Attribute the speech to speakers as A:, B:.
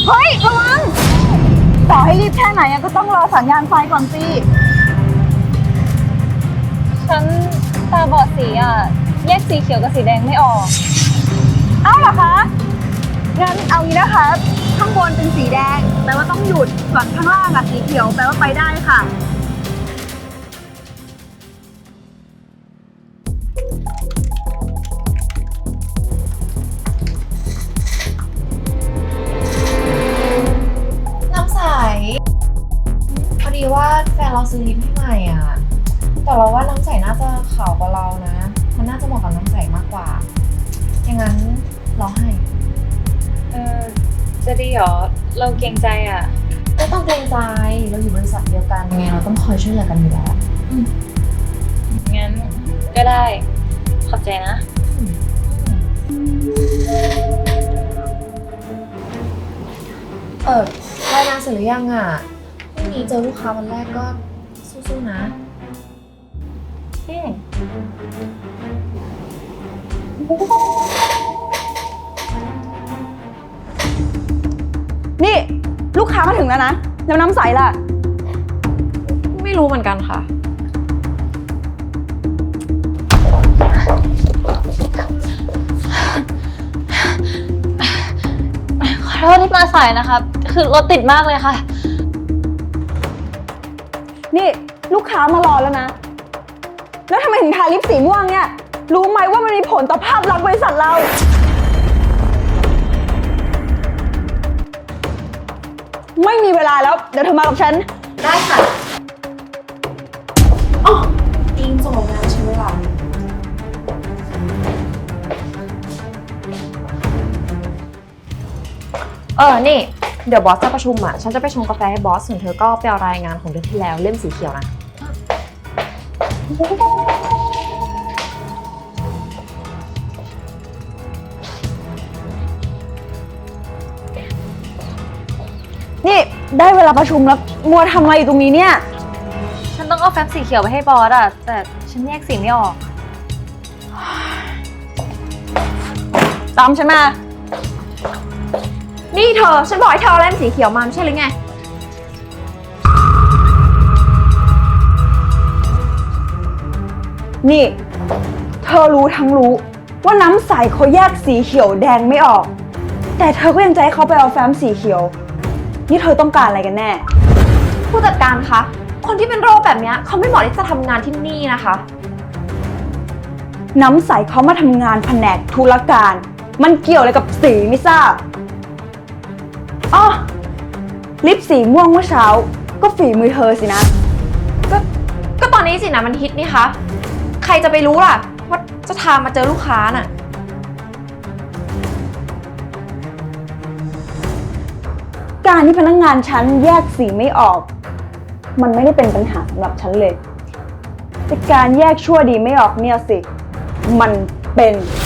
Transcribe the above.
A: เฮ้ยระวังต่อให้รีบแค่ไหนก็ต้องรอสัญญาณไฟก่อนสิ
B: ฉันตาบอดสีอ่ะแยกสีเขียวกับสีแดงไม่ออก
A: เอ้าเหรอคะงั้นเอางี้นะคะข้างบนเป็นสีแดงแปลว่าต้องหยุดส่วนข้างล่างสีเขียวแปลว่าไปได้ค่ะ
C: น้ำใสพอดีว่าแฟนเราซื้อลิปให้ใหม่อ่ะแต่เราว่าน้ำใสน่าจะขาวกว่าเรานะมันน่าจะเหมาะกับน้ำใสมากกว่าอย่างนั้นเราให้
B: จะดีเหรอเราเกรงใจอ่ะ
C: ไม่ต้องเกรงใจเราอยู่บริษัทเดียวกันไงเราต้องคอยช่วยเหลือกันอยู่แล้ว
B: งั้นก็ได้ขอบใจนะ
C: รายงานเสร็จหรือยังอ่ะพรุ่งนี้เจอลูกค้าวันแรกก็สู้ๆนะ
A: นี่ลูกค้ามาถึงแล้วนะแล้วน้ำใสล่ะ
C: ไม่รู้เหมือนกันค่ะ
B: ขอโทษที่มาสายนะคะคือรถติดมากเลยค่ะ
A: นี่ลูกค้ามารอแล้วนะแล้วทำไมถึงทาลิปสีม่วงเนี่ยรู้ไหมว่ามันมีผลต่อภาพลักษณ์บริษัทเราไม่มีเวลาแล้วเดี๋ยวเธอมากับฉัน
C: ได้ค่ะอ๋ออิงส่งงานใช้เวลานี่เดี๋ยวบอสจะประชุมอ่ะฉันจะไปชงกาแฟให้บอสส่วนเธอก็ไปเอารายงานของเดือนที่แล้วเล่มสีเขียวนะ
A: นี่ได้เวลาประชุมแล้วมัวทำอะไรอยู่ตรงนี้เนี่ย
B: ฉันต้องเอาแฟ้มสีเขียวไปให้บอสอ่ะแต่ฉันแยกสีไม่ออก
A: ตามฉันมา
C: นี่เธอฉันบอกให้เธอเอาเล่มสีเขียวมาไม่ใช่หรือไง
A: นี่เธอรู้ทั้งรู้ว่าน้ำใสเขาแยกสีเขียวแดงไม่ออกแต่เธอก็ยังจะให้เขาไปเอาแฟ้มสีเขียวนี่เธอต้องการอะไรกันแน่
C: ผู้จัดการคะคนที่เป็นโรคแบบนี้เขาไม่เหมาะที่จะทำงานที่นี่นะคะ
A: น้ำใสเขามาทำงานแผนกธุรการมันเกี่ยวอะไรกับสีไม่ทราบอ๋อลิปสีม่วงเมื่อเช้าก็ฝีมือเธอสินะ
C: ก็ตอนนี้สินะมันฮิตนี่คะใครจะไปรู้ล่ะว่าจะทามาเจอลูกค้าน่ะ
A: การที่พนักงานฉันแยกสีไม่ออกมันไม่ได้เป็นปัญหาสำหรับฉันเลยแต่การแยกชั่วดีไม่ออกเนี่ยสิมันเป็น